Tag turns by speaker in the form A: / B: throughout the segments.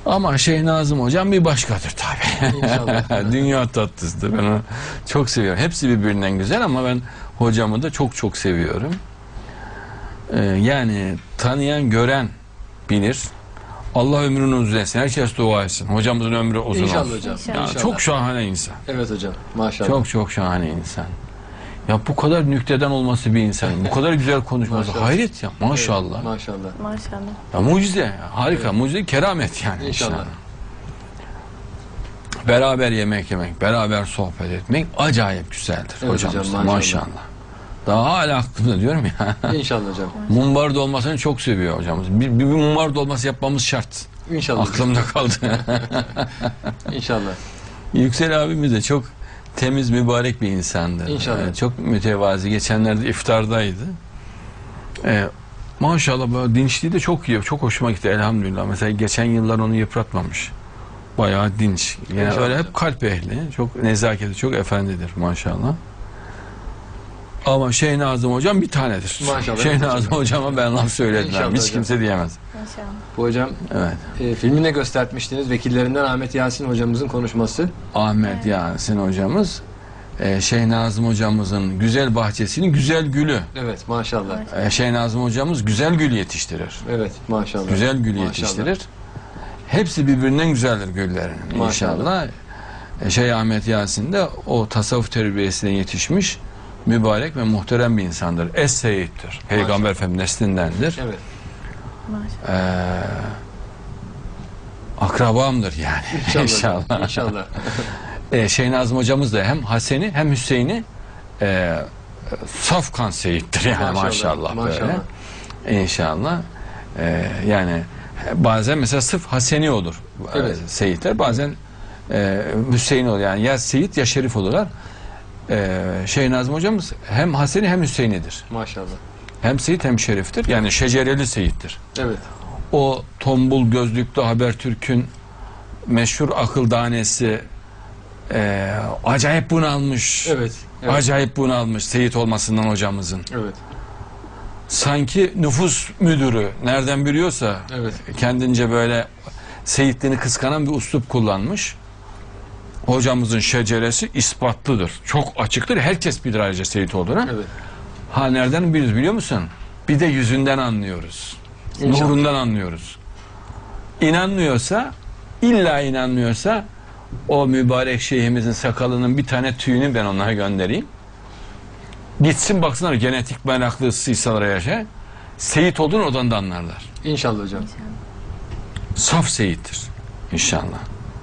A: Ama Şeyh Nazım hocam bir başkadır tabii.
B: İnşallah.
A: Dünya tatlısıdır. Ben onu çok seviyorum. Hepsi birbirinden güzel ama ben hocamı da çok çok seviyorum. Yani tanıyan, gören bilir. Allah ömrünü uzun etsin. Herkes dua etsin. Hocamızın ömrü uzun
B: İnşallah
A: olsun.
B: hocam.
A: Ya,
B: İnşallah.
A: çok şahane insan.
B: Evet hocam. Maşallah.
A: Çok çok şahane insan. Ya bu kadar nükteden olması bir insan. Bu kadar güzel konuşması.
B: Maşallah.
A: Hayret ya. Maşallah.
B: Evet, maşallah.
C: Maşallah.
A: Ya mucize. Ya, harika.
B: Evet.
A: Mucize, keramet yani.
B: İnşallah.
A: Beraber yemek yemek, beraber sohbet etmek acayip güzeldir
B: Evet
A: hocamız.
B: hocam,
A: Maşallah. Daha hala aklımda diyorum ya.
B: İnşallah hocam.
A: Mumbar dolmasını çok seviyor hocamız. Bir mumbar dolması yapmamız şart.
B: İnşallah.
A: Aklımda kaldı.
B: İnşallah.
A: Yüksel abimiz de çok temiz, mübarek bir insandı.
B: İnşallah.
A: Çok mütevazi. Geçenlerde iftardaydı. Maşallah böyle dinçliği de çok iyi. Çok hoşuma gitti elhamdülillah. Mesela geçen yıllar onu yıpratmamış. Bayağı dinç. Yani
B: İnşallah.
A: öyle hep kalp ehli. Çok nezaketi, çok efendidir maşallah. Ama Şeyh Nazım hocam bir tanedir.
B: Maşallah.
A: Şeyh
B: Evet
A: Nazım hocama ben laf söyledim.
B: İnşallah
A: Hiç
B: hocam.
A: kimse diyemez.
C: Maşallah.
B: Bu hocam
A: Evet.
B: filmine göstermiştiniz. Vekillerinden Ahmet Yasin hocamızın konuşması.
A: Ahmet Yasin hocamız Şeyh Nazım hocamızın güzel bahçesinin güzel gülü.
B: Evet maşallah.
A: Şeyh Nazım hocamız güzel gül yetiştirir.
B: Evet maşallah.
A: Güzel gül
B: Maşallah.
A: yetiştirir. Hepsi birbirinden güzeldir güllerin.
B: Maşallah.
A: İnşallah. Şeyh Ahmet Yasin de o tasavvuf terbiyesine yetişmiş mübarek ve muhterem bir insandır. Es-Seyyid'dir. Peygamber Efendimiz neslindendir.
B: Evet.
C: Maşallah.
A: Akrabamdır yani.
B: İnşallah. İnşallah.
A: Şeyh Nazım hocamız da hem Hasen'i hem Hüseyin'i saf kan seyittir yani maşallah,
B: Maşallah.
A: böyle. İnşallah. Yani bazen mesela sırf Haseni olur
B: Evet.
A: seyitler, bazen Hüseyin olur yani ya seyit ya şerif olurlar. Şeyh Nazım hocamız hem Haseni hem Hüseyin'idir.
B: Maşallah.
A: Hem seyit hem şeriftir. Yani şecereli seyittir.
B: Evet.
A: O tombul gözlüklü Habertürk'ün meşhur akıl danesi acayip bunalmış.
B: Evet. Evet.
A: Acayip bunalmış seyit olmasından hocamızın.
B: Evet.
A: Sanki nüfus müdürü nereden biliyorsa
B: Evet.
A: kendince böyle seyitliğini kıskanan bir üslup kullanmış. Hocamızın şeceresi ispatlıdır. Çok açıktır. Herkes bilir ayrıca seyit olduğunu.
B: Evet.
A: Ha nereden biliyoruz biliyor musun? Bir de yüzünden anlıyoruz.
B: İnşallah.
A: Nurundan anlıyoruz. İnanmıyorsa, illa inanmıyorsa o mübarek şeyhimizin sakalının bir tane tüyünü ben onlara göndereyim. Gitsin baksınlar genetik meraklısıysalar yaşa. Seyit olduğunu oradan da anlarlar.
B: İnşallah hocam.
A: Saf seyittir. İnşallah.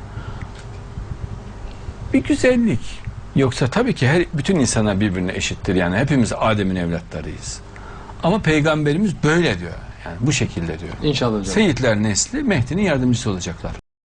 A: Bir güzellik. Yoksa tabii ki bütün insanlar birbirine eşittir. Yani hepimiz Adem'in evlatlarıyız. Ama Peygamberimiz böyle diyor. Yani bu şekilde diyor.
B: İnşallah hocam.
A: Seyitler nesli Mehdi'nin yardımcısı olacaklar.